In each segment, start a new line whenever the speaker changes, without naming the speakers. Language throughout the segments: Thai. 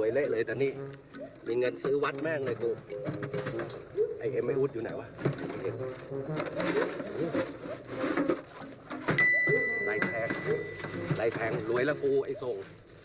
วยเละเลยแต่นี่มีเงินซื้อวัดแม่งเลยกูไอเอ็มไม่อุดอยู่ไหนวะไอเอ็มไรแทงไรแทงรวยแล้วกูไอส่ง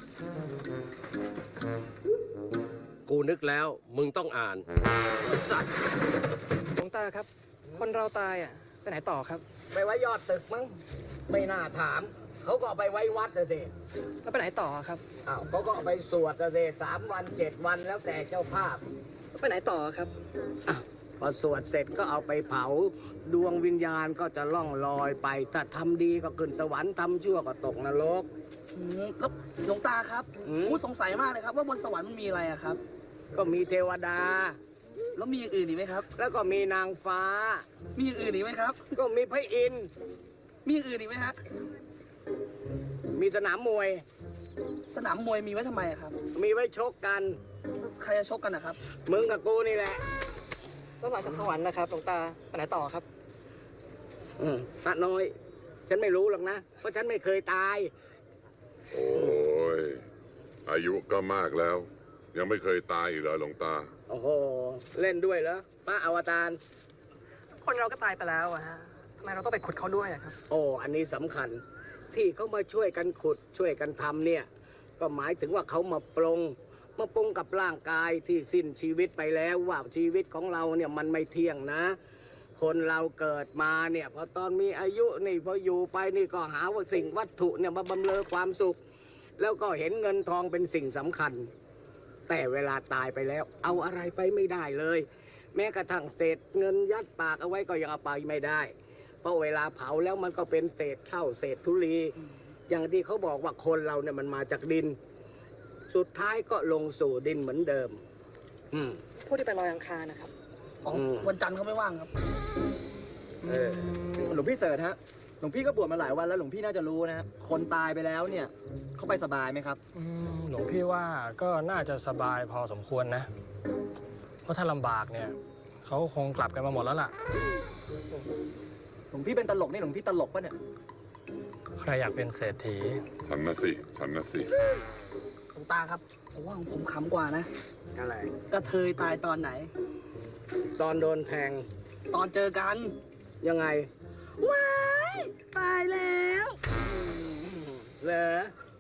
กูนึกแล้วมึงต้องอ่านสัตว์
หลวงตาครับ คนเราตายอ่ะไปไหนต่อครับ
ไปไว้ยอดตึกมั้งไม่น่าถาม เขาก็เอาไปไว้วัดนะสิ
แล้วไปไหนต่อครับ
อ้าวเขาก็เอาไปสวดนะสิ3 วัน 7 วันแล้วแต่เจ้าภาพ
แล้วไปไหนต่อครับ
อ้าวพอสวดเสร็จก็เอาไปเผาดวงวิญญาณก็จะล่องลอยไปถ้าทำดีก็ขึ้นสวรรค์ทำชั่วก็ตกนรก
แล้วหลวงตาครับ
อืม
ผมสงสัยมากเลยครับ ว่าบนสวรรค์มันมีอะไรอะครับ
ก็มีเทวดา
แล้วมีอย่างอื่นอีกไหมครับ
แล้วก็มีนางฟ้า
มีอย่างอื่นอีกไหมครับ
ก็มีพระอินทร์
มีอย่างอื่นอีกไหมฮะ
มีสนามมวย
สนามมวยมีไว้ทำไมอะครับ
มีไว้ชกกัน
ใครจะชกกันนะครับ
มึงกับกูนี่แหละ
แล้วหลังจากสวรรค์นะครับหลวงตาไปไหนต่อครับ
พระน้อย ฉันไม่รู้หรอกนะ เพราะฉันไม่เคยตาย
โอ้ย อายุก็มากแล้ว ยังไม่เคยตายอีกเหรอหลวงตา
โอ้โห เล่นด้วยเหรอพระอวตาร
คนเราก็ตายไปแล้วอะฮะทำไมเราต้องไปขุดเขาด้วยอะครับ
โอ้ อันนี้สำคัญ ที่เขามาช่วยกันขุดช่วยกันทำเนี่ย ก็หมายถึงว่าเขามาปรงกับร่างกายที่สิ้นชีวิตไปแล้วว่าชีวิตของเราเนี่ยมันไม่เที่ยงนะ คนเราเกิดมาเนี่ยพอตอนมีอายุนี่พออยู่ไปนี่ก็หาว่าสิ่งวัตถุเนี่ยมาบำเรอความสุข แล้วก็เห็นเงินทองเป็นสิ่งสำคัญ แต่เวลาตายไปแล้ว เอาอะไรไปไม่ได้เลย แม้กระทั่งเศษเงินยัดปากเอาไว้ก็ยังเอาไปไม่ได้ เพราะเวลาเผาแล้วมันก็เป็นเศษเท่าเศษธุลี อย่างที่เขาบอกว่าคนเราเนี่ยมันมาจากดิน สุดท้ายก็ลงสู่ดินเหมือนเดิม
ผู้ที่ไปลอยอังคารนะครับอ๋อ
ม
วันจันทร์เขาไม่ว่างครับ
เออ
หลวงพี่เสิร์ชฮะ หลวงพี่ก็บวชมาหลายวันแล้วหลวงพี่น่าจะรู้นะฮะคนตายไปแล้วเนี่ยเขาไปสบายไหมครับ
หลวงพี่ว่าก็น่าจะสบายพอสมควรนะ เพราะถ้าลำบากเนี่ยเขาคงกลับกันมาหมดแล้วล่ะ
หลวงพี่เป็นตลกนี่หลวงพี่ตลกปะเนี่ย
ใครอยากเป็นเศรษฐี
ฉันนะสิ ฉันนะสิ
หลวงตาครับผมว่าของผมขำกว่านะ
อะไร
กระเทยตายตอนไหน
ตอนโดนแทง
ตอนเจอกัน
ยังไง
ว้ายตายแล้ว
เหรอ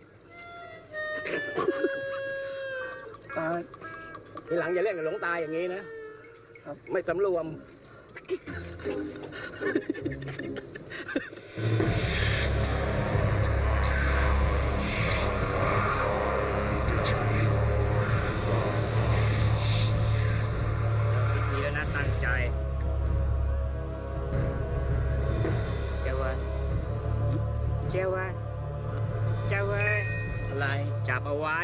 ตาย
ทีหลังอย่าเล่นกับหลวงตาอย่างนี้นะ ไม่สำรวม
พิธีแล้วนะตั้งใจเจ้าวันอะไรจับเอาไว้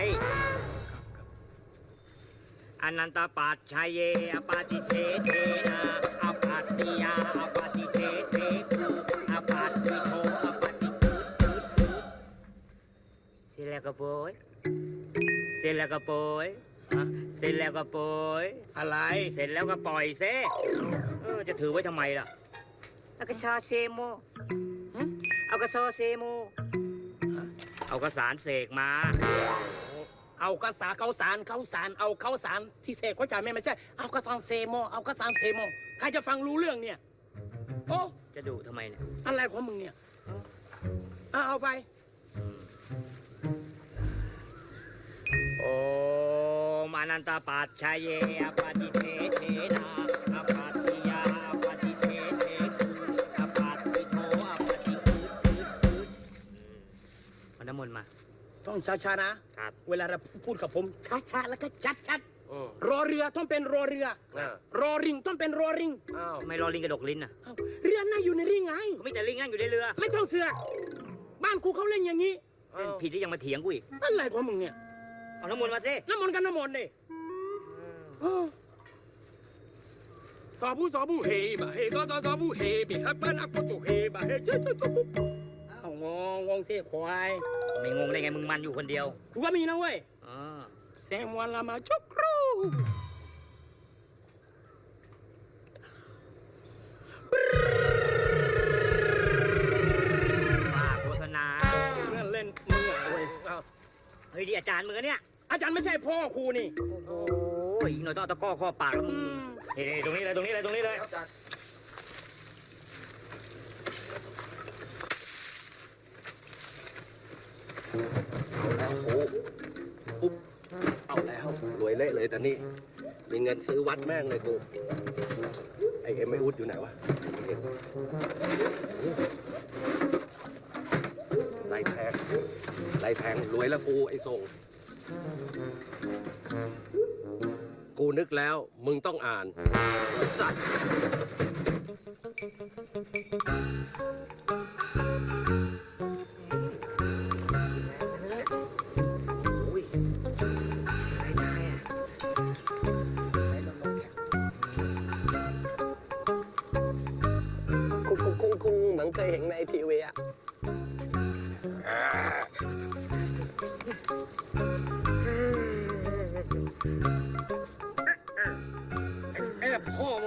อนันตปัจชัยเยอปาติเทเทนาอปัตติยาอปาติเทเทคูอปัตติโทอปาติคูเสร็จแล้วก็โปยเสร็จแล้วก็โปยเสร็จแล้วก็โปย
อะไร
เสร็จแล้วก็ปล่อยเซจะถือไว้ทำไมล่ะเอากระชาเซโมเอากระซอเซโมเอากระสารเสกมา
เอากระสาเขาสารเอาเขาสารที่เสกเขาจ่ายไม่ใช่ เอากระสานเซโมเอากระสานเซโมใครจะฟังรู้เรื่องเนี่ย โอ้
จะดุทำไมเนี่ย
อะไรของมึงเนี่ยเอาไป
โอมอนันตปัจชัยเยอปาติเทเทนาอปัตติยาอปาติเทเทอปัตติโทอปาติคูเอาน้ำมนต์มา
ต้องช้าๆนะ
ครับ
เวลาเราพูดกับผมช้าๆแล้วก็ชัดๆรอเรือต้องเป็นรอเรือ รอริงต้องเป็นรอริง
อ้าว
ทำไมรอลิงกระดกลิ้นอ่ะ
เอ้าเรือนั่งอยู่ในริงไง
ก็มีแต่ลิงนั่งอยู่ในเรือ
ไม่ต้องเสือกบ้านกูเขาเล่นอย่างนี้
เล่นผิดที่ยังมาเถียงกูอีก
อะไรของมึงเนี่ย
เอาน้ำมนต์มาสิ
น้ำมนต์กันน้ำมนต์ดิสาบูเฮบะเฮสาบูเฮบิฮับบ้านอักโจเฮบะเฮเจ๊เอางงสิควาย
ไม่งงได้ไงมึงมันอยู่คนเดียว
กูก็มีนะเว้ย
อ๋อ
เซมวันละมาชุกครู
ว่าโฆษณา
เล่นมึงอ่ะเว้ย
เฮ้ยดีอาจารย์มึงอะเนี่ย
อาจารย์ไม่ใช่พ่อครูนี่
โอ้ยอีกหน่อยต้องเอาตะกร้อข้อปากแล้วมึงนี่ตรงนี้เลยตรงนี้เลยตรงนี้เลย
ปุ๊บเอาแล้วรวยเละเลยแต่นี่มีเงินซื้อวัดแม่งเลยกูไอเอ็มไออุดอยู่ไหนวะไล่แทงไล่แทงรวยแล้วกูไอส่งกูนึกแล้วมึงต้องอ่านไอ้สัตว์
คงเหมือนเคยเห็นในทีวีอะ
พ่อ